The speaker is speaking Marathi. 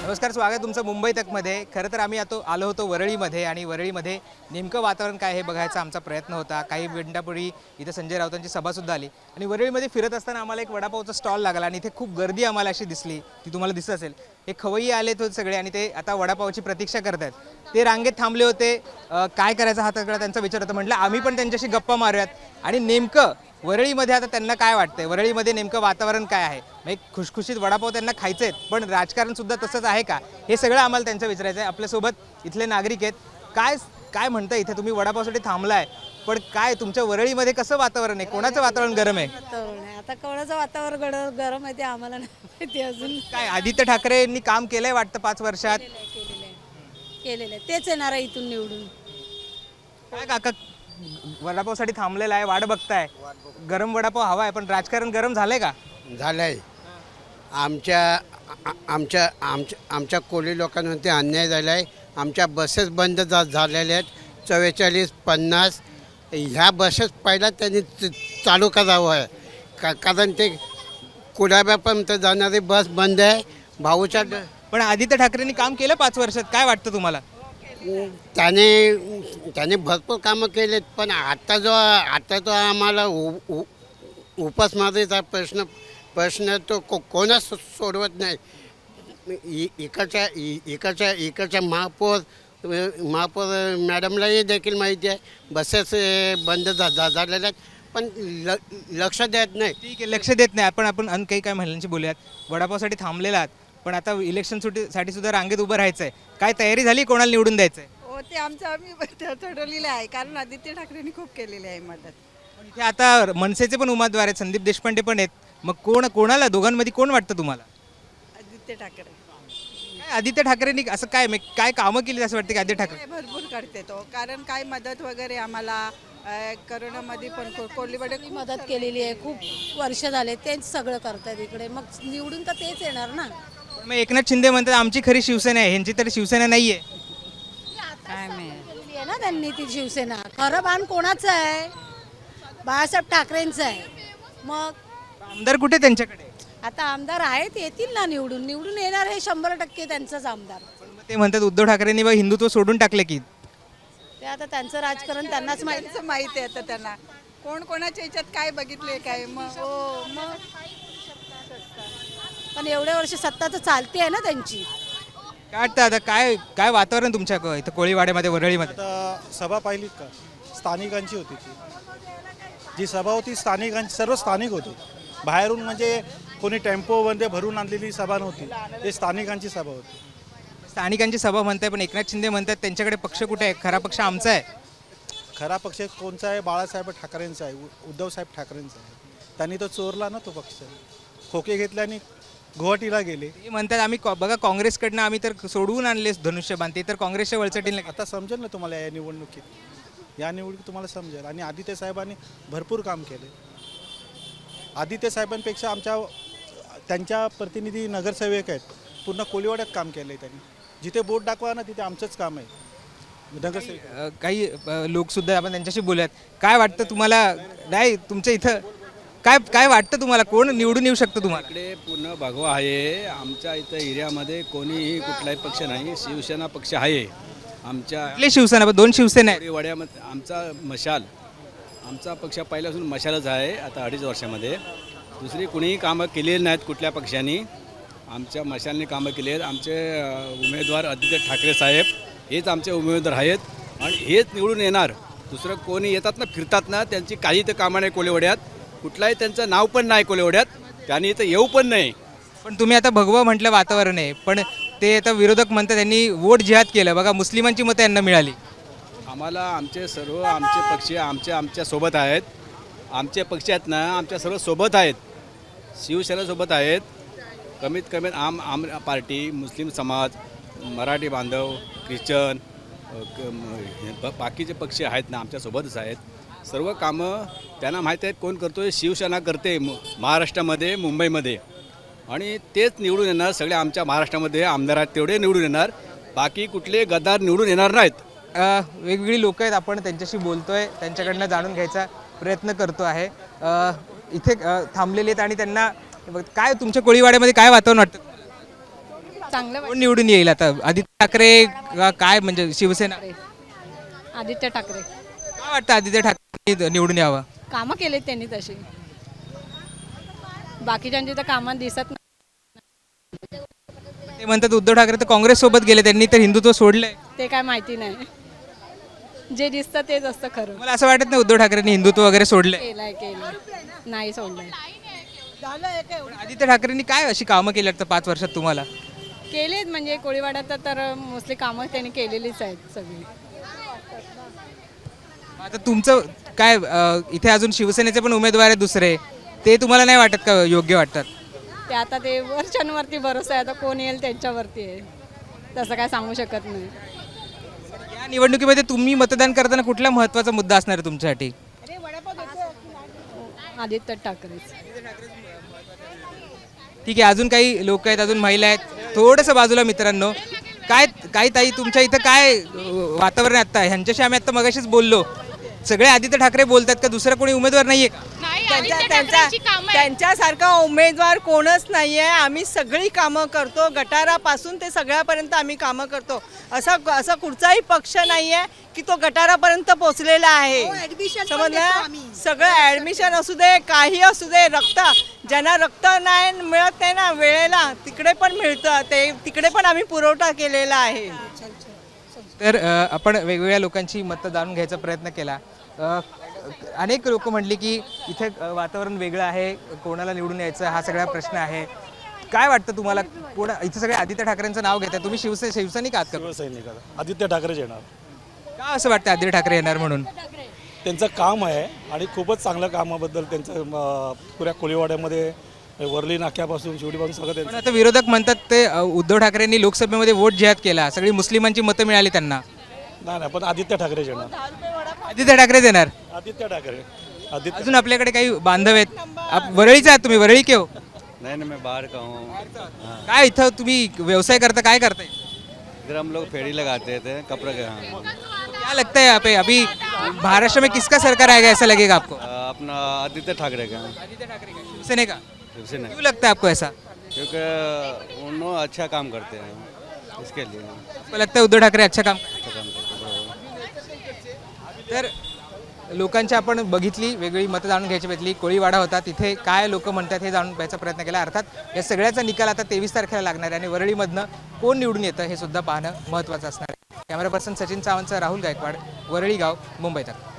नमस्कार, स्वागत आहे तुमचं मुंबई तकमध्ये। खरं तर आम्ही आलो होतो वरळीमध्ये आणि वरळीमध्ये नेमकं वातावरण काय हे बघायचा आमचा प्रयत्न होता। काही मिनिटांपूर्वी इथे संजय राऊतांची सभासुद्धा आली आणि वरळीमध्ये फिरत असताना आम्हाला एक वडापावचा स्टॉल लागला आणि इथे खूप गर्दी आम्हाला अशी दिसली, ती तुम्हाला दिसत असेल। हे खवय्ये आले होते सगळे आणि ते आता वडापावची प्रतीक्षा करत आहेत। ते रांगेत थांबले होते, काय करायचा हा सगळा त्यांचा विचार होता। म्हटलं आम्ही पण त्यांच्याशी गप्पा मारूयात आणि नेमकं वरळीमध्ये आता त्यांना काय वाटतंय, वरळीमध्ये नेमकं वातावरण काय आहे, एक खुशखुशीत वडापाव त्यांना खायचे आहेत पण राजकारण सुद्धा तसंच आहे का, हे सगळं आम्हाला त्यांचं विचारायचं आहे। आपल्यासोबत इथले नागरिक आहेत। काय काय म्हणता, इथे तुम्ही वडापावसाठी थांबलाय पण काय तुमच्या वरळीमध्ये कसं वातावरण आहे, कोणाचं वातावरण गरम आहे? आता कोणाचं वातावरण गरम आहे ते आम्हाला नाही माहिती अजून। काय आदित्य ठाकरेंनी काम केलंय वाटतं 5 वर्षात? केलेलं आहे तेच येणार आहे इथून निवडून। काय काका वडापावसाठी थांबलेला आहे, वाट बघताय, गरम वडापाव हवा आहे पण राजकारण गरम झालंय का? झालंय। आमच्या आमच्या आमच्या आमच्या कोळी लोकांवरती अन्याय झाला आहे। आमच्या बसेस बंद झालेल्या आहेत 44, 50। ह्या बसेस पहिला त्यांनी चालू करावं आहे कारण ते कुडाब्यापर्यंत जाणारी बस बंद आहे। भाऊच्या पण आदित्य ठाकरेंनी काम केलं 5 वर्षात, काय वाटतं तुम्हाला? त्याने भरपूर कामं केलेत पण आता जो आम्हाला उपासमारीचा प्रश्न तो कोणच सोडवत नाही। इकडच्या महापौर मॅडमलाही देखील माहिती आहे बसेस बंद झालेल्या आहेत पण लक्ष देत नाही। ठीक आहे, लक्ष देत नाही। आपण काही काय महिलांशी बोलूयात। वडापावसाठी थांबलेला आहात पण आता इलेक्शन साठी सुद्धा रांगेत उभं राहायचं आहे, काय तयारी झाली, कोणाला निवडून द्यायचं आहे? हो, ते आम्ही ठरवलेलं आहे कारण आदित्य ठाकरेंनी खूप केलेली आहे मदत। पण इथे आता मनसेचे पण उमेदवार आहेत, संदीप देशपांडे पण आहेत, मग कोणाला दोघांमध्ये कोण वाटतं तुम्हाला? आदित्य ठाकरे काय आदित्य ठाकरेंनी असं काय कामं केली असं वाटतं की आदित्य ठाकरे? भरपूर करते तो, कारण काय मदत वगैरे आम्हाला करोनामध्ये पण कोल्हीवाडे मदत केलेली आहे, खूप वर्ष झाले तेच सगळं करतात इकडे, मग निवडून तर तेच येणार ना। पण मग एकनाथ शिंदे म्हणतात आमची खरी शिवसेना आहे, ह्यांची तर शिवसेना नाहीये। केलेली आहे ना त्यांनी ती शिवसेना। खरं बाण कोणाचं आहे? बाळासाहेब ठाकरेंचं आहे। मग आमदार कुठे त्यांच्याकडे? आता आमदार आहेत, येतील ना निवडून येणार हे 100% त्यांचाच आमदार। पण मग ते म्हणतात उद्धव ठाकरेंनी बा हिंदुत्व सोडून टाकले की? ते आता त्यांचं राजकारण त्यांनाच माहिती। त्यांचं माहित आहे आता त्यांना कोण कोणाच्या ह्याच्यात काय बघितले काय मग मग पण एवढ्या वर्ष सत्ता तर चालते आहे ना त्यांची। काय वाटतं आता काय वातावरण तुमच्या इथं कोळीवाड्यामध्ये वरळीमध्ये? आता सभा पाहिलीत का? स्थानिकांची होती जी सभा होती, सर्व स्थानिक होती। बाहेरून म्हणजे कोणी टेम्पोमध्ये भरून आणलेली सभा नव्हती, ते स्थानिकांची सभा होती। स्थानिकांची सभा म्हणताय पण एकनाथ शिंदे म्हणतात त्यांच्याकडे पक्ष कुठे आहे, खरा पक्ष आमचा आहे। खरा पक्ष कोणचा आहे? बाळासाहेब ठाकरेंचा आहे, उद्धवसाहेब ठाकरेंचा आहे। त्यांनी तो चोरला ना तो पक्ष, खोके घेतल्याने गुवाहाटीला गेले। ते म्हणतात आम्ही बघा काँग्रेसकडनं आम्ही तर सोडवून आणले धनुष्यबाण, ते तर काँग्रेसच्या वळचटीने। आता समजेल ना तुम्हाला या निवडणुकीत तुम्हाला समजेल। आणि आदित्य साहेबांनी भरपूर काम केले। आदित्य साहेबांपेक्षा त्यांच्या प्रतिनिधी नगरसेवक आहेत, पूर्ण कोळीवाड्यात काम केलं आहे त्यांनी। जिथे बोट दाखवा ना तिथे आमचंच काम आहे नगरसेवक। काही लोक सुद्धा आपण त्यांच्याशी बोलूयात। काय वाटतं तुम्हाला, नाही तुमच्या इथं काय वाटतं तुम्हाला, कोण निवडून येऊ शकतं तुम्हाला? इकडे पूर्ण भगवा आहे। आमच्या इथं एरियामध्ये कोणीही कुठलाही पक्ष नाही, शिवसेना पक्ष आहे आमच्या। कुठली शिवसेना? 2 शिवसेना आहेत। वाड्यामध्ये आमचा पक्ष पहिल्यापासून मशालच आहे। आता 2.5 वर्षामध्ये दुसरी कुणीही कामं केलेली नाहीत कुठल्या पक्षांनी, आमच्या मशालने कामं केली आहेत। आमचे उमेदवार आदित्य ठाकरे साहेब हेच आमचे उमेदवार आहेत आणि हेच निवडून येणार। दुसरं कोणी येतात ना, फिरतात ना, त्यांची काही तर कामं नाही कोळीवाड्यात, कुठलाही त्यांचं नाव पण नाही कोळीवाड्यात, त्यांनी इथं येऊ पण नाही। पण तुम्ही आता भगवा म्हटलं वातावरण आहे, पण ते आता विरोधक म्हणतात त्यांनी वोट जिहाद केलं, बघा मुस्लिमांची मतं यांना मिळाली। आम्हाला आमचे पक्ष आमच्या सोबत आहेत। आमचे पक्ष आहेत ना, आमच्या सर्व सोबत आहेत, शिवसेनेसोबत आहेत। कमीत कमी आम पार्टी, मुस्लिम समाज, मराठी बांधव, ख्रिश्चन, बाकीचे पक्ष आहेत ना आमच्यासोबतच आहेत। सर्व कामं त्यांना माहीत आहेत कोण करतो आहे, शिवसेना करते महाराष्ट्रामध्ये, मुंबईमध्ये, आणि तेच निवडून येणार। सगळे आमच्या महाराष्ट्रामध्ये आमदार आहेत तेवढे निवडून येणार, बाकी कुठले गद्दार निवडून येणार नाहीत। वेगवेगळी लोक आहेत, आपण त्यांच्याशी बोलतोय, त्यांच्याकडनं जाणून घ्यायचा प्रयत्न करतो आहे। इथे थांबलेले आहेत आणि त्यांना काय तुमच्या कोळीवाड्यामध्ये काय वातावरण वाटतं? चांगलं कोण निवडून येईल आता? आदित्य ठाकरे काय म्हणजे शिवसेना? वाटतं आदित्य ठाकरे काय वाटतं आदित्य ठाकरे निवडून यावं? कामं केलेत त्यांनी तशी, बाकीच्यांची तर कामं दिसत नाही. ते म्हणतात उद्धव ठाकरे तर काँग्रेस सोबत गेले, त्यांनी तर हिंदुत्व सोडलंय. ते काय माहिती नाही, जे दिसतं तेच असतं खरं. मला असं वाटत नाही उद्धव ठाकरेंनी हिंदुत्व वगैरे सोडलंय. केलंय नाही सोडलंय. आदित्य ठाकरेंनी काय अशी कामं केली वाटतं 5 वर्षात तुम्हाला? केलेत म्हणजे कोळीवाड्यात तर मोस्टली कामं त्यांनी केलेलीच आहेत सगळी. आता तुमचं काय इथे अजून शिवसेनेचे पण उमेदवार आहेत दुसरे, ते तुम्हाला नाही वाटत का योग्य वाटतात? ते आता ते वरच्यांवरती भरोसा आहे, आता कोण येईल त्यांच्यावरती आहे, तसं काय सांगू शकत नाही. या निवडणुकीमध्ये तुम्ही मतदान करताना कुठला महत्त्वाचा मुद्दा असणार आहे तुमच्यासाठी? आदित्य ठाकरेच. ठीक आहे, अजून काही लोक आहेत, अजून महिला आहेत, थोडंसं बाजूला मित्रांनो. काय ताई तुमच्या इथं काय वातावरण आहे आता? ह्यांच्याशी आम्ही आता मगाशीच बोललो, सगळे आदित्य ठाकरे बोलतात का? दुसरा कोणी उमेदवार नाहीये का? त्यांच्यासारखा उमेदवार कोणच नाही आहे. आम्ही सगळी कामं करतो, गटारापासून ते सगळ्यापर्यंत आम्ही कामं करतो. असा कुठचाही पक्ष नाही आहे की तो गटारापर्यंत पोचलेला आहे. समजलं? सगळं ॲडमिशन असू दे, काही असू दे, ज्यांना रक्त नाही मिळत नाही ना वेळेला, तिकडे पण मिळतं, ते तिकडे पण आम्ही पुरवठा केलेला आहे. तर आपण वेगवेगळ्या लोकांची मतं जाणून घ्यायचा प्रयत्न केला. अनेक लोक म्हणली की इथे वातावरण वेगळं आहे, कोणाला निवडून यायचं हा सगळा प्रश्न आहे. काय वाटतं तुम्हाला? इथे सगळे आदित्य ठाकरेंचं नाव घेतात, तुम्ही शिवसैनिक आहात का? शिवसैनिक आदित्य ठाकरेच येणार. का असं वाटतं आदित्य ठाकरे येणार म्हणून? त्यांचं काम आहे आणि खूपच चांगलं कामाबद्दल त्यांचं पुऱ्या कोळीवाड्यामध्ये वरली नाक्यापासून शिवडीपासून सगळं पण त्यांचं. आता विरोधक म्हणतात ते उद्धव ठाकरेंनी लोकसभेमध्ये वोट जिहाद केला, सगळी मुस्लिमांची मतं मिळाली त्यांना. नाही पण आदित्य ठाकरेच येणार. आदित्य ठाकरेच येणार. आदित्य ठाकरे. अजून आपल्याकडे काही बांधव आहेत. वरळीचे आहात तुम्ही? वरळी के हो? नहीं नहीं, मैं बाहर का हूँ. काय इथं तुम्ही व्यवसाय करता, काय करताय? इधर हम लोग फेरी लगाते थे कपड़े के. हाँ, क्या लगता है यहाँ पे अभी महाराष्ट्र में किसका सरकार आएगा, ऐसा लगेगा आपको? अपना आदित्य ठाकरे का. आदित्य ठाकरे का, शिवसेना का? शिवसेना, क्यों लगता है आपको ऐसा? क्योंकि उन्होंने अच्छा काम करते हैं, इसके लिए आपको लगता है उद्धव ठाकरे अच्छा काम करतात? अच्छा काम करते हैं. तर लोकांची आपण बघितली, वेगळी मतं जाणून घ्यायची भेटली. कोळीवाडा होता, तिथे काय लोक म्हणतात हे जाणून घ्यायचा प्रयत्न केला. अर्थात या सगळ्याचा निकाल आता 23 तारखेला लागणार आहे आणि वरळीमधनं कोण निवडून येतं हे सुद्धा पाहणं महत्त्वाचं असणार आहे. कॅमेरा पर्सन सचिन सावंतसह राहुल गायकवाड, वरळी गाव, मुंबई तक.